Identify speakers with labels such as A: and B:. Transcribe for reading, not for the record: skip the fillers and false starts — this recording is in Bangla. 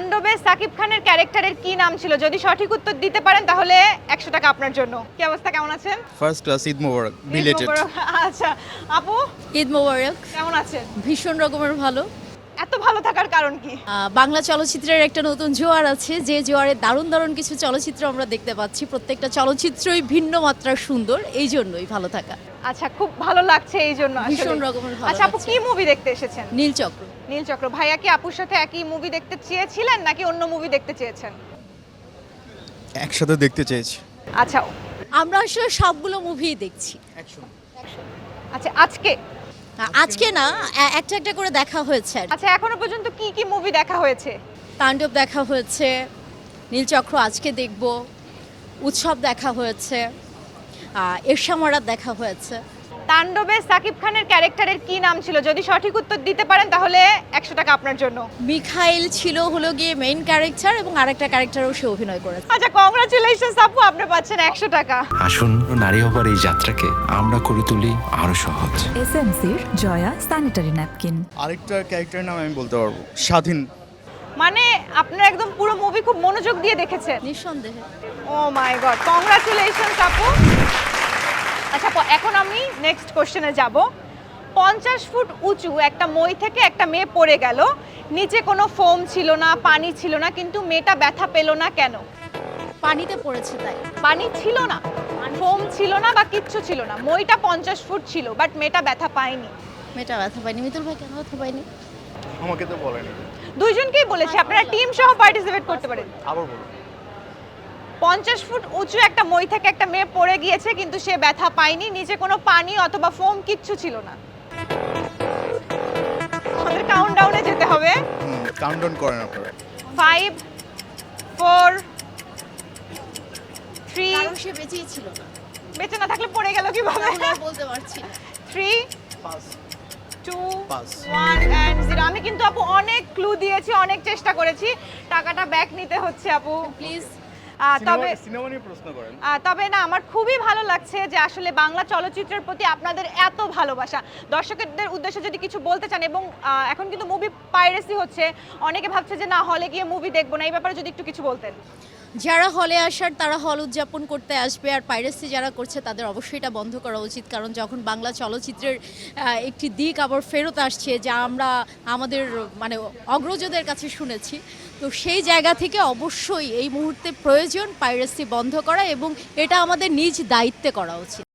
A: তাণ্ডবে সাকিব খানের ক্যারেক্টারের কি নাম ছিল? যদি সঠিক উত্তর দিতে পারেন তাহলে 100 টাকা আপনার জন্য। কি অবস্থা, কেমন আছেন?
B: First class Eid Mubarak belated.
A: Eid Mubarak. আচ্ছা আপু,
C: ঈদ মোবারক।
A: কেমন আছেন?
C: ভীষণ রকমের ভালো।
A: এত ভালো থাকার কারণ কি?
C: বাংলা চলচ্চিত্রের একটা নতুন জোয়ার আছে, যে জোয়ারে দারুণ দারুণ কিছু চলচ্চিত্র আমরা দেখতে পাচ্ছি। প্রত্যেকটা চলচ্চিত্রই ভিন্ন মাত্রার সুন্দর, এই জন্যই ভালো থাকা।
A: আচ্ছা, খুব ভালো লাগছে এই জন্য আসলে।
C: ভীষণ রকমের ভালো
A: আচ্ছা আপু,
C: লাগছে।
A: কি মুভি দেখতে এসেছেন?
C: নীলচক্র।
A: নীলচক্র। ভাইয়া কি আপুর সাথে একই মুভি দেখতে চেয়েছিলেন নাকি অন্য মুভি দেখতে চেয়েছেন?
B: একসাথে দেখতে চেয়েছি।
A: আচ্ছা
C: আমরা আসলে সবগুলো মুভিই দেখছি।
A: আচ্ছা আজকে
C: আজকে না, একটা একটা করে দেখা হয়েছে আর কি।
A: আচ্ছা এখনো পর্যন্ত কি কি মুভি দেখা হয়েছে?
C: তাণ্ডব দেখা হয়েছে, নীলচক্র আজকে দেখব, উৎসব দেখা হয়েছে, এরশামারাত দেখা হয়েছে।
A: তাণ্ডবে সাকিব খানের ক্যারেক্টারের কি নাম ছিল? যদি সঠিক উত্তর দিতে পারেন তাহলে 100 টাকা আপনার জন্য।
C: মিখাইল ছিল হলো গিয়ে মেইন ক্যারেক্টার, এবং আরেকটা ক্যারেক্টারও সে অভিনয় করেছে।
A: আচ্ছা কংগ্রাচুলেশনস আপু, আপনি পাচ্ছেন 100 টাকা।
D: আসুন, নারী হবার এই যাত্রাকে আমরা করে তুলি আরো সহজ।
E: এসএমসির জয়া স্যানিটারি ন্যাপকিন।
B: আরেকটা ক্যারেক্টারের নাম আমি বলতে পারবো, স্বাধীন।
A: মানে আপনারা একদম পুরো মুভি খুব মনোযোগ দিয়ে দেখেছেন।
C: নিঃসন্দেহে।
A: ও মাই গড, কংগ্রাচুলেশনস আপু। আচ্ছা এখন আমি নেক্সট কোশ্চেনে যাব। 50 ফুট উঁচু একটা মই থেকে একটা মেয়ে পড়ে গেল, নিচে কোনো ফোম ছিল না, পানি ছিল না, কিন্তু মেয়েটা ব্যথা পেল না কেন?
C: পানিতে পড়েছে তাই।
A: পানি ছিল না, ফোম ছিল না বা কিচ্ছু ছিল না, মইটা 50 ফুট ছিল, বাট মেয়েটা ব্যথা পায়নি।
C: মেয়েটা ব্যথা পায়নি। মিতুল ভাই কেন ব্যথা পায়নি?
B: আমাকে তো বলেনি।
A: দুইজনকেই বলেছি, আপনারা টিম সহ পার্টিসিপেট করতে পারেন।
B: আবার বলো।
A: 50 ফুট উঁচু একটা মই থেকে একটা মেয়ে পড়ে গিয়েছে, কিন্তু সে ব্যথা পায়নি, নিচে কোনো পানি অথবা ফোম কিচ্ছু ছিল না। আমাদের কাউন্টডাউনে যেতে হবে।
B: কাউন্টডাউন করেন আপনারা।
A: 5 4 3।
C: কারণ সে বেঁচেই ছিল না।
A: বেঁচে না থাকলে পড়ে গেল কিভাবে?
C: তাহলে আর বলতে পারছি না।
A: 3
B: পাস
A: 2
B: পাস
A: 1 and 0। আমি কিন্তু আপু অনেক ক্লু দিয়েছি, অনেক চেষ্টা করেছি, টাকাটা ব্যাক নিতে হচ্ছে আপু
C: প্লিজ।
A: তবে
B: সিনেমা নিয়ে প্রশ্ন করেন।
A: তবে না, আমার খুবই ভালো লাগছে যে আসলে বাংলা চলচ্চিত্রের প্রতি আপনাদের এত ভালোবাসা। দর্শকদের উদ্দেশ্যে যদি কিছু বলতে চান, এবং এখন কিন্তু মুভি পাইরেসি হচ্ছে, অনেকে ভাবছে যে না হলে গিয়ে মুভি দেখবো না, এই ব্যাপারে যদি একটু কিছু বলতেন।
C: যারা হলে আসার তারা হল উদযাপন করতে আসবে, আর পাইরেসি যারা করছে তাদের অবশ্যই এটা বন্ধ করা উচিত। কারণ যখন বাংলা চলচ্চিত্রের একটি দিক আবার ফেরত আসছে, যা আমরা আমাদের মানে অগ্রজদের কাছে শুনেছি, তো সেই জায়গা থেকে অবশ্যই এই মুহূর্তে প্রয়োজন পাইরেসি বন্ধ করা, এবং এটা আমাদের নিজ দায়িত্বে করা উচিত।